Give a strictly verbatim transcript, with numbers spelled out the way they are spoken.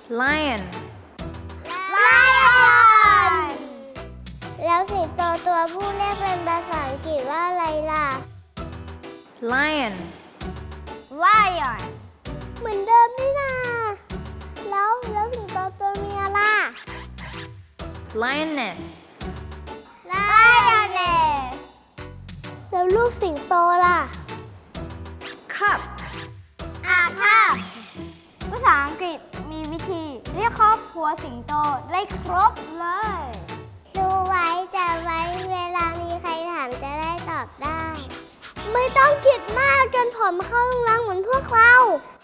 lion lion แล้วสิงโตตัวผู้เรียกเป็นภาษาอังกฤษว่าอะไรล่ะ lion lion เหมือนเดิมนี่นาแล้วแล้วสิงโตตัวเมียล่ะ lioness lioness แล้วลูกสิงโตล่ะ cup อ่าค่ะภาษาอังกฤษมีวิธีเรียกครอบครัวสิงโตได้ครบเลยดูไว้จะไว้เวลามีใครถามจะได้ตอบได้ ไม่ต้องคิดมากจนผมเข้าโรงแรมเหมือนพวกเรา